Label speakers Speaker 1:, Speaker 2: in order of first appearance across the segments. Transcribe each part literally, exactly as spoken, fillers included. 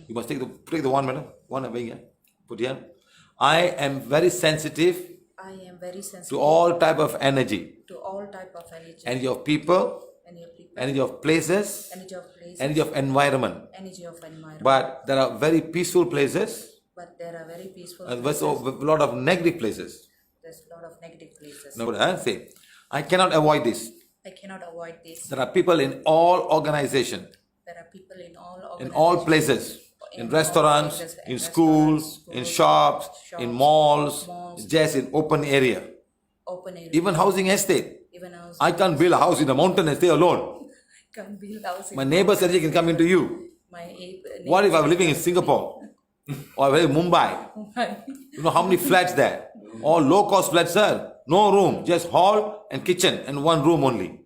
Speaker 1: You must take the take the one, madam. One away here. Put here. I am very sensitive.
Speaker 2: I am very sensitive
Speaker 1: to all type of energy.
Speaker 2: To all type of energy.
Speaker 1: Energy of people.
Speaker 2: Energy of people.
Speaker 1: Energy of places.
Speaker 2: Energy of places.
Speaker 1: Energy of environment.
Speaker 2: Energy of environment.
Speaker 1: But there are very peaceful places.
Speaker 2: But there are very peaceful
Speaker 1: and
Speaker 2: places.
Speaker 1: there's a lot of negative places.
Speaker 2: There's a lot of negative places.
Speaker 1: No, huh? Say, I cannot avoid this.
Speaker 2: I cannot avoid this.
Speaker 1: There are people in all organization.
Speaker 2: There are people in all
Speaker 1: in all places. In, in restaurants,
Speaker 2: places,
Speaker 1: in, in
Speaker 2: schools,
Speaker 1: schools,
Speaker 2: schools,
Speaker 1: in shops,
Speaker 2: shops
Speaker 1: in malls,
Speaker 2: malls,
Speaker 1: just in open area.
Speaker 2: Open area.
Speaker 1: Even housing estate.
Speaker 2: Even housing
Speaker 1: I can't build a house in the mountain and stay alone.
Speaker 2: Can't build house.
Speaker 1: My neighbor's energy can come into you.
Speaker 2: My
Speaker 1: what if I'm living in Singapore or Mumbai? You know how many flats there? All low-cost flats, sir. No room, just hall and kitchen and one room only.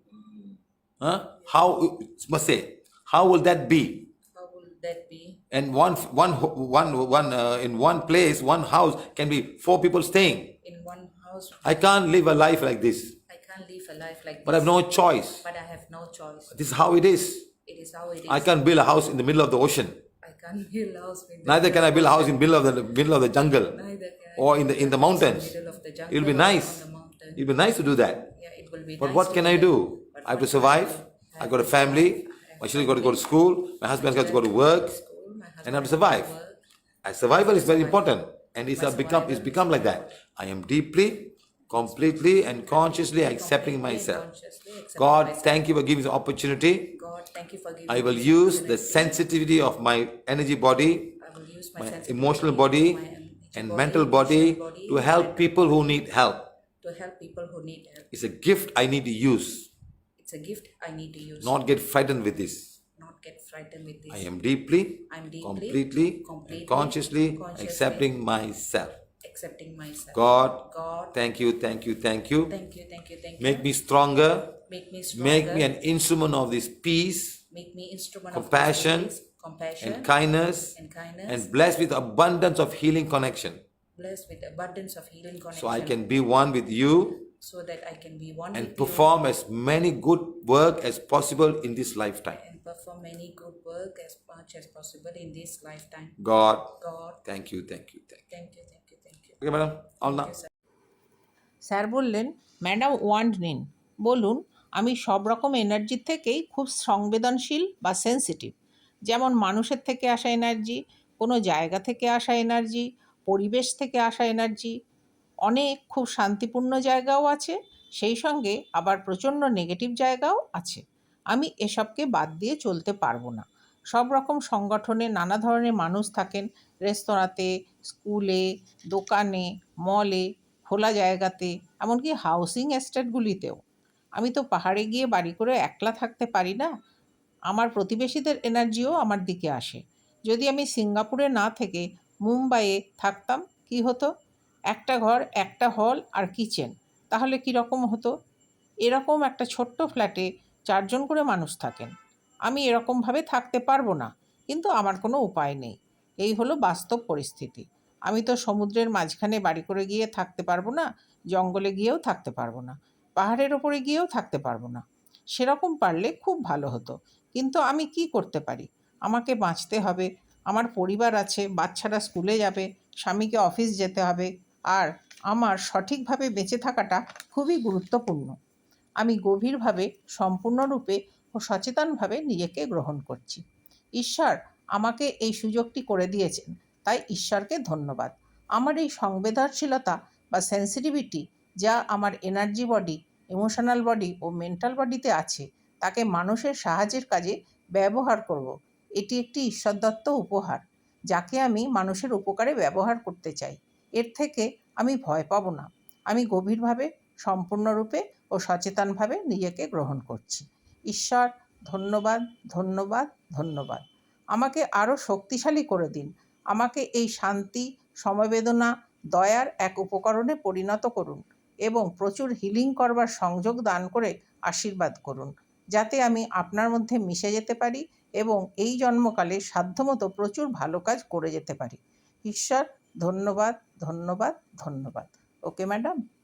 Speaker 1: Huh? How must say? How will that be?
Speaker 2: How will that be?
Speaker 1: And one, one, one, one uh, in one place, one house can be four people staying.
Speaker 2: In one house.
Speaker 1: I can't live a life like this.
Speaker 2: I can't live a life like this.
Speaker 1: But I have no choice.
Speaker 2: But I have no choice.
Speaker 1: This is how it is.
Speaker 2: It is how it is.
Speaker 1: I can't build a house in the middle of the ocean.
Speaker 2: I can't build a house. In the
Speaker 1: Neither can I build a house in the middle of the middle of the jungle.
Speaker 2: Neither can
Speaker 1: or in the in the mountains.
Speaker 2: In the middle of the jungle.
Speaker 1: It'll be nice. It'll be nice to do that.
Speaker 2: Yeah, it will be
Speaker 1: but
Speaker 2: nice
Speaker 1: what can I do? I have to survive. I got a family. My children got to go to school. My husband has to go to work, and I have to survive. And survival is very important, and it's become it's become like that. I am deeply, completely, and consciously accepting myself. God, thank you for giving me the opportunity.
Speaker 2: God, thank you for giving
Speaker 1: I will use the sensitivity of my energy body, my emotional body, and mental body to help people who need help.
Speaker 2: To help people who need help.
Speaker 1: It's a gift I need to use.
Speaker 2: It's a gift I need to use.
Speaker 1: Not get frightened with this.
Speaker 2: Not get frightened with this.
Speaker 1: I am deeply,
Speaker 2: I'm deeply
Speaker 1: completely,
Speaker 2: completely
Speaker 1: and consciously,
Speaker 2: consciously
Speaker 1: accepting myself.
Speaker 2: Accepting myself.
Speaker 1: God,
Speaker 2: God,
Speaker 1: thank you, thank you, thank you.
Speaker 2: Thank you, thank you, thank you.
Speaker 1: Make me stronger.
Speaker 2: Make me stronger.
Speaker 1: Make me an instrument of this peace,
Speaker 2: Make me instrument
Speaker 1: compassion,
Speaker 2: of peace, compassion,
Speaker 1: and kindness,
Speaker 2: and kindness,
Speaker 1: and blessed with abundance of healing connection.
Speaker 2: Blessed with abundance of healing connection.
Speaker 1: So I can be one with you.
Speaker 2: So that I can be one
Speaker 1: and
Speaker 2: with
Speaker 1: perform
Speaker 2: you,
Speaker 1: as many good work as possible in this lifetime.
Speaker 2: And perform many good work as much as possible in this lifetime.
Speaker 1: God,
Speaker 2: God,
Speaker 1: thank you, thank you, thank you.
Speaker 2: Thank you, thank you, thank you.
Speaker 1: Okay, madam, all now.
Speaker 3: Sir বললেন, madam wand নিন, বলুন আমি সব রকম এনার্জির থেকেই খুব সংবেদনশীল বা সেন্সিটিভ। যেমন মানুষের থেকে আসা এনার্জি, কোনো জায়গা থেকে আসা এনার্জি, পরিবেশ থেকে আসা এনার্জি, অনেক খুব শান্তিপূর্ণ জায়গাও আছে, সেই সঙ্গে আবার প্রচণ্ড নেগেটিভ জায়গাও আছে। আমি এসবকে বাদ দিয়ে চলতে পারবো না। সব রকম সংগঠনে নানা ধরনের মানুষ থাকেন, রেস্তোরাঁতে, স্কুলে, দোকানে, মলে, খোলা জায়গাতে, এমনকি হাউসিং এস্টেটগুলিতেও। আমি তো পাহাড়ে গিয়ে বাড়ি করে একলা থাকতে পারি না। আমার প্রতিবেশীদের এনার্জিও আমার দিকে আসে। যদি আমি সিঙ্গাপুরে না থেকে মুম্বাইয়ে থাকতাম কি হতো? একটা ঘর, একটা হল আর কিচেন, তাহলে কীরকম হতো? এরকম একটা ছোট্ট ফ্ল্যাটে চারজন করে মানুষ থাকেন। আমি এরকমভাবে থাকতে পারবো না, কিন্তু আমার কোনো উপায় নেই। এই হলো বাস্তব পরিস্থিতি। আমি তো সমুদ্রের মাঝখানে বাড়ি করে গিয়ে থাকতে পারবো না, জঙ্গলে গিয়েও থাকতে পারবো না, পাহাড়ের ওপরে গিয়েও থাকতে পারবো না। সেরকম পারলে খুব ভালো হতো, কিন্তু আমি কি করতে পারি? আমাকে বাঁচতে হবে, আমার পরিবার আছে, বাচ্চারা স্কুলে যাবে, স্বামীকে অফিস যেতে হবে, আর আমার সঠিকভাবে বেঁচে থাকাটা খুবই গুরুত্বপূর্ণ। আমি গভীরভাবে, সম্পূর্ণরূপে ও সচেতনভাবে নিজেকে গ্রহণ করছি। ঈশ্বর আমাকে এই সুযোগটি করে দিয়েছেন, তাই ঈশ্বরকে ধন্যবাদ। আমার এই সংবেদনশীলতা বা সেন্সিটিভিটি যা আমার এনার্জি বডি, ইমোশনাল বডি ও মেন্টাল বডিতে আছে, তাকে মানুষের সাহায্যের কাজে ব্যবহার করব। এটি একটি ঈশ্বরদত্ত উপহার, যাকে আমি মানুষের উপকারে ব্যবহার করতে চাই। এর থেকে আমি ভয় পাবো না। আমি গভীরভাবে, সম্পূর্ণরূপে ও সচেতনভাবে নিজেকে গ্রহণ করছি। ঈশ্বর, ধন্যবাদ, ধন্যবাদ, ধন্যবাদ। আমাকে আরও শক্তিশালী করে দিন। আমাকে এই শান্তি, সমবেদনা, দয়ার এক উপকরণে পরিণত করুন এবং প্রচুর হিলিং করবার সংযোগ দান করে আশীর্বাদ করুন, যাতে আমি আপনার মধ্যে মিশে যেতে পারি এবং এই জন্মকালে সাধ্যমতো প্রচুর ভালো কাজ করে যেতে পারি। ঈশ্বর, ধন্যবাদ, ধন্যবাদ, ধন্যবাদ। Okay madam?